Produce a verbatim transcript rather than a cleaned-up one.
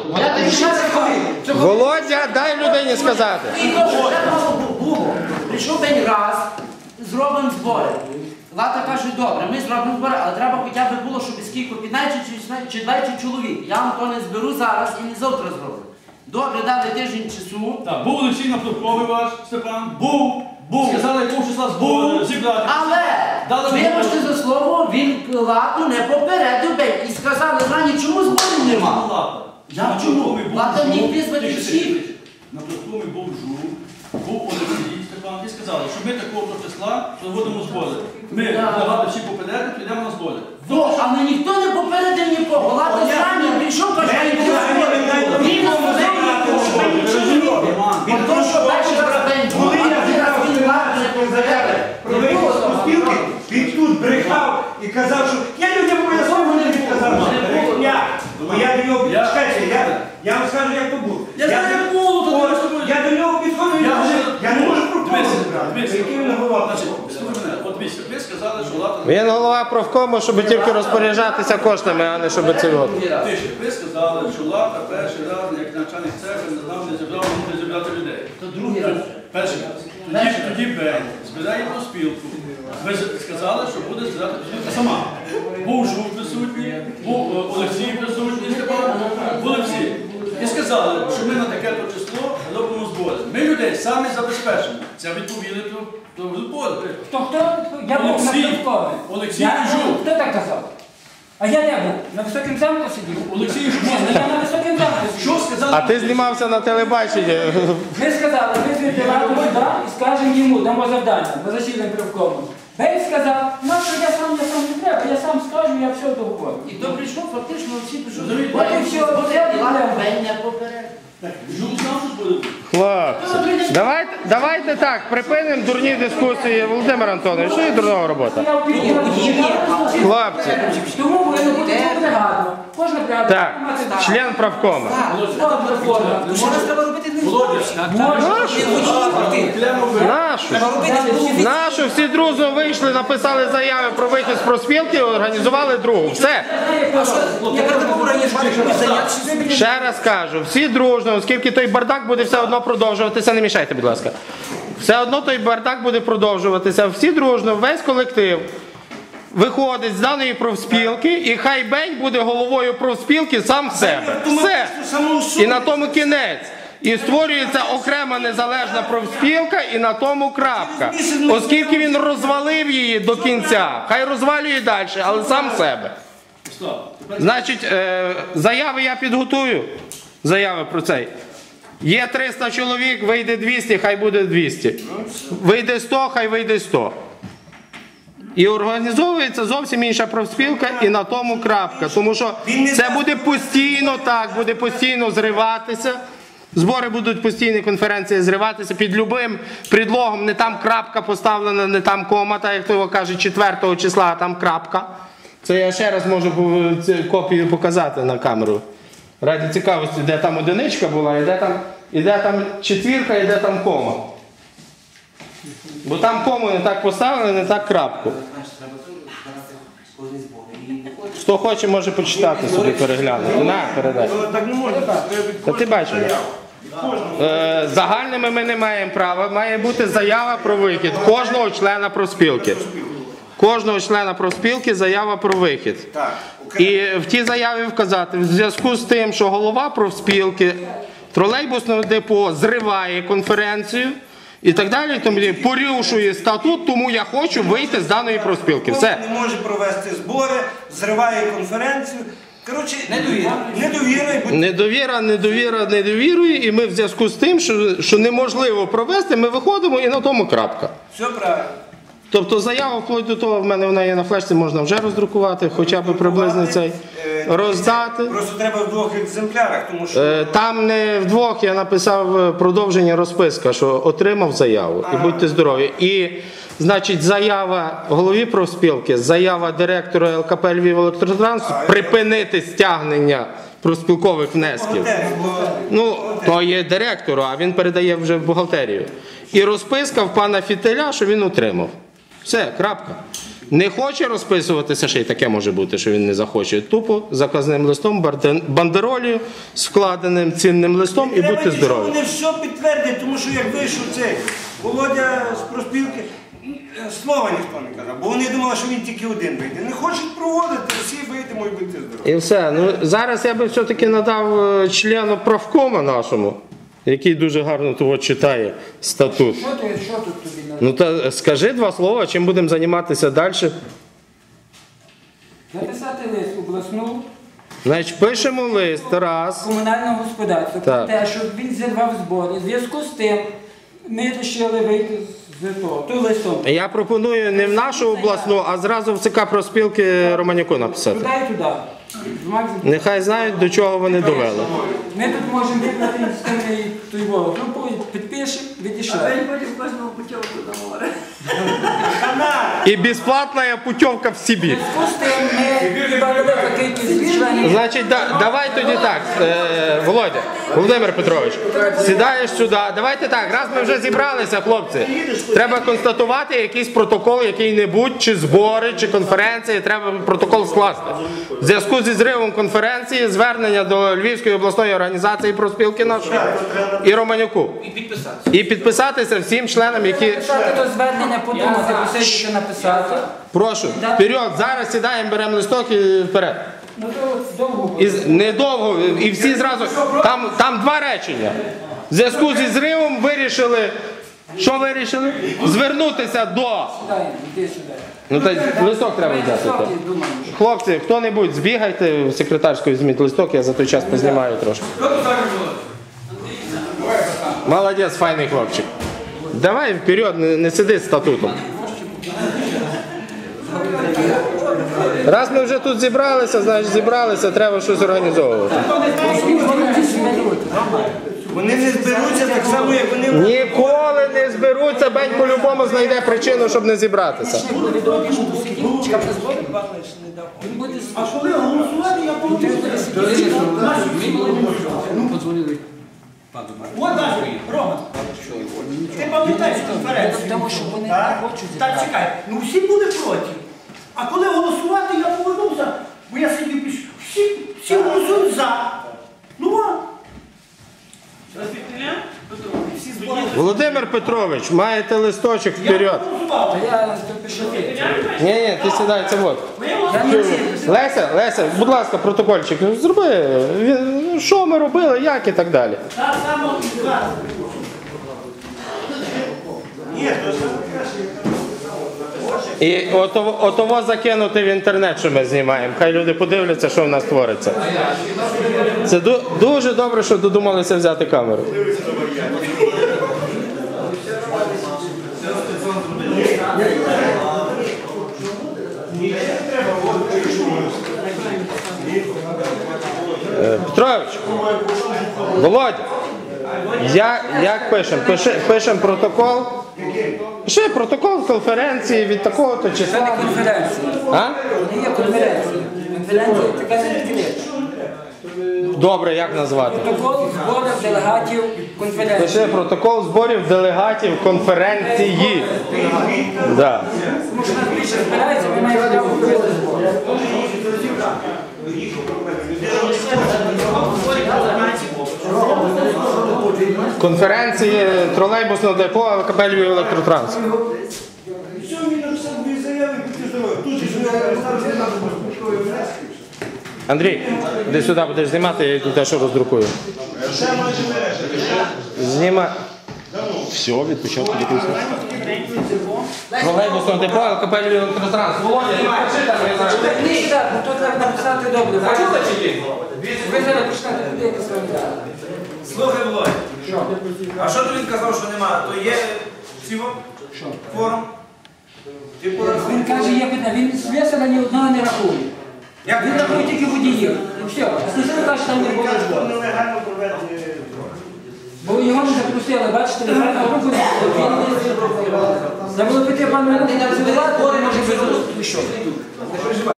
Я тобі ще раз кажу. Володя, дай людині сказати. І то, що треба було. Прийшов день раз, зробимо збори. Лата каже, добре, ми зробимо збори, але треба хоча б було, щоб скільки, п'ятнадцять чи двадцять чоловік. Я вам то не зберу зараз і не завтра зроблю. Добре, дали тиждень часу. Так, був Олексій Нафтовковий ваш, Степан. Був. Був. Сказали, якого числа збору зібрати. Але, вибачте за слово, він Лату не попередив би і сказали, рані, чому зборів нема? Я чому? Лата міг визвати всіх. Нафтовковий був Жук, був Олексій, Степан, і сказали, що ми такого числа проводимо збори. Ми багато всі попередити, підемо на збори. Во, але ніхто не попередив нікого. Лата зрані прийшов, каже, що він зборів. Він не зборів. Він то, що перший раз день був, а він раз він Лату не попередив. Він тут брехав і казав, що я людям пояснив, не він казав, що брехня. Я до нього підскажу, я вам скажу, як то було. Я знаю, як було, то думаю, що я до нього підходив, я не можу профкому збирати. Який він голова? От дивіться, ви сказали, що Лата... Він голова профкому, щоб тільки розпоряджатися коштами, а не щоб це от. Ви сказали, що Лата перший раз, як начальник церкви, не зібрав, не може зібрати людей. То другий раз. Перший раз. Тоді, тоді Бень збирає проспілку. Ви сказали, що буде збирати проспілка сама. Був Жук присутній, був Олексій присутній, Степан, були всі. І сказали, що ми на таке-то число робимо збори. Ми людей самі забезпечимо. Це відповіли до збору. Хто хто? Я був на Нафтовкові. Олексій і Жук. Хто так казав? А я не був. На Високому замку сидів. Олексій і Жук. Я на Високому замку сидів. Що сказали? А ти знімався на телебаченні. Ми сказали, ми звідти Лату сюди і скажемо йому, дамо завдання, ми засідаємо привкому. Бей сказав, ну що я сам, я сам не треба, я сам скажу, я все договорю. І то прийшов, фактично, всі пішов. От і все, от я І Лата Бень не попередив. Жук знав, що буде? Хлопці, давайте, давайте так, припинимо дурні дискусії. Володимир Антонович, що є дурнова робота? Я впівділа, Хлопці. тому повинно бути бригада. Кожна бригада. Так, член правкома. Нашу. Нашу, всі дружно вийшли, написали заяви про вихід з профспілки, організували другу. Все. Ще раз кажу, всі дружно, оскільки той бардак буде все одно продовжуватися, не мішайте, будь ласка. Все одно той бардак буде продовжуватися, всі дружно, весь колектив виходить з даної профспілки, і хай Бень буде головою профспілки сам в себе. Все. І на тому кінець. І створюється окрема незалежна профспілка, і на тому крапка. Оскільки він розвалив її до кінця, хай розвалює далі, але сам себе. Значить, е, заяви я підготую. Заяви про цей. Є триста чоловік, вийде двісті, хай буде двісті. Вийде сто, хай вийде сто. І організовується зовсім інша профспілка, і на тому крапка. Тому що це буде постійно так, буде постійно зриватися. Збори будуть постійні, конференції зриватися під любим предлогом. Не там крапка поставлена, не там кома, так як того каже, четвертого числа, а там крапка. Це я ще раз можу копію показати на камеру. Раді цікавості, де там одиничка була, і де там, і де там четвірка, і де там кома. Бо там кому не так поставили, не так крапку. Хто хоче, може почитати собі, переглянути. На, передай. Так не можна. Та ти бачиш. Е, загальними ми не маємо права. Має бути заява про вихід кожного члена профспілки. Кожного члена профспілки заява про вихід. І в тій заяві вказати, в зв'язку з тим, що голова профспілки тролейбусного депо зриває конференцію, і так далі, тому порушує статут, тому я хочу вийти з даної профспілки. Все. Не може провести збори, зриває конференцію. Коротше, недовіра. Недовіра. Недовіра, недовіра, недовірує, і ми в зв'язку з тим, що, що неможливо провести, ми виходимо і на тому крапка. Все правильно. Тобто заява вплоть до того, в мене вона є на флешці, можна вже роздрукувати, хоча б приблизно цей, роздати. Просто треба в двох екземплярах, тому що... Там не в двох, я написав продовження розписка, що отримав заяву, і будьте здорові. І, значить, заява голові профспілки, заява директора ел ка пе «Львівелектротранс» припинити стягнення профспілкових внесків. Ну, то є директору, а він передає вже в бухгалтерію. І розписка в пана Фітиля, що він отримав. Все, крапка. Не хоче розписуватися, ще й таке може бути, що він не захоче. Тупо заказним листом, барден- бандеролію, з вкладеним цінним листом і будьте здорові. Вони все підтвердять, тому що як вийшов цей Володя з проспілки, слова ніхто не казав, бо вони думали, що він тільки один вийде. Не хочуть проводити, всі вийдемо і будьте здорові. І все. Ну, зараз я би все-таки надав е, члену правкома нашому, який дуже гарно того читає статут. Що ти, що тут тобі надо? Ну та скажи два слова, чим будемо займатися далі. Написати лист в обласну Значить, пишемо лист раз. комунального господарства Так. про те, що він зірвав збори. В зв'язку з тим ми вирішили вийти з того, то листом. Я пропоную не в нашу обласну, а зразу в ЦК профспілки Романюку написати. Туди і туди. Нехай знають, до чого вони довели. Ми тут можемо вибрати інститутний той волос. Ну, підпишемо, відійшли. Потім кожного путівку до моря. І безплатна путівка в Сибір. В зв'язку з тим ми додали велика кількість членів. Значить, да, давай тоді так, е, Володя, Володимир Петрович, сідаєш сюди. Давайте так, раз ми вже зібралися, хлопці, треба констатувати якийсь протокол, який-небудь, чи збори, чи конференції, треба протокол скласти. В зв'язку зі зривом конференції, звернення до Львівської обласної організації профспілки нашої і Романюку. І підписатися. І підписатися всім членам, які... Написати то звернення, подумати, посидіти, написати. Прошу, вперед, зараз сідаємо, беремо листок і вперед. Ну то от довго буде. І з- недовго, і всі зразу, там, там два речення. В зв'язку зі зривом вирішили, що вирішили? Звернутися до... Дай, іди сюди. Ну та листок треба взяти. то. Високий, думаю. Хлопці, хто-небудь, збігайте в секретарську, візьміть листок, я за той час познімаю трошки. Молодець, файний хлопчик. Давай вперед, не, не сиди з статутом. Раз ми вже тут зібралися, значить зібралися, треба щось організовувати. Вони не зберуться так само, як вони... Ніколи не зберуться, Бень по-любому знайде причину, щоб не зібратися. А коли голосувати, я помню. От так, Рома. Ти пам'ятаєш конференцію? Тому що вони Так? не хочуть Так, зібрати. чекай. Ну всі були проти. А коли голосувати, я повернувся, бо я сидів піш. Всі, всі голосують за. Ну от. Всі збори. Володимир Петрович, маєте листочок вперед. Голосував. Та я то пишу. Ні, ні, ти сідай, це от. Я не всі. Леся, Леся, будь ласка, протокольчик, зроби, він- що ми робили, як і так далі. Так само і зараз. Ні, то ж І ото- отово закинути в інтернет, що ми знімаємо. Хай люди подивляться, що в нас твориться. Це ду- дуже добре, що додумалися взяти камеру. Е, Петрович, Володя, як, як пишемо? Пиши, пишемо протокол. Пиши протокол конференції від такого-то Це числа. не конференція. А? Не є конференція. Конференція така не відкрита. Добре, як назвати? Протокол зборів делегатів конференції. Пиши протокол зборів делегатів конференції. Да. Тому що нас більше збирається, ми маємо право провести збори. Конференції тролейбусного депо КП Львів Електротранс. Що він написав дві заяви, будьте здорові. Тут же ж не представився нам. Андрій, іди сюди будеш знімати, я йду те, що роздрукую. Зніма. Все, від початку до кінця. Тролейбусного депо КП Львів Електротранс. Володя, ти пиши там, я знаю. Ні, так, ну то треба написати добре. Ви зараз почнете туди якось робити. Слухай, Володя, а що то він казав, що нема? То є цього форум? Типу, Він каже, є питання, він слесаря ні одного не рахує. як Він рахує тільки водіїв. І все. А слесаря каже, що там не було збору. Нелегально проведені. Бо його не запросили, бачите, не знаю, групу не було. Треба було піти пану не працювати, може би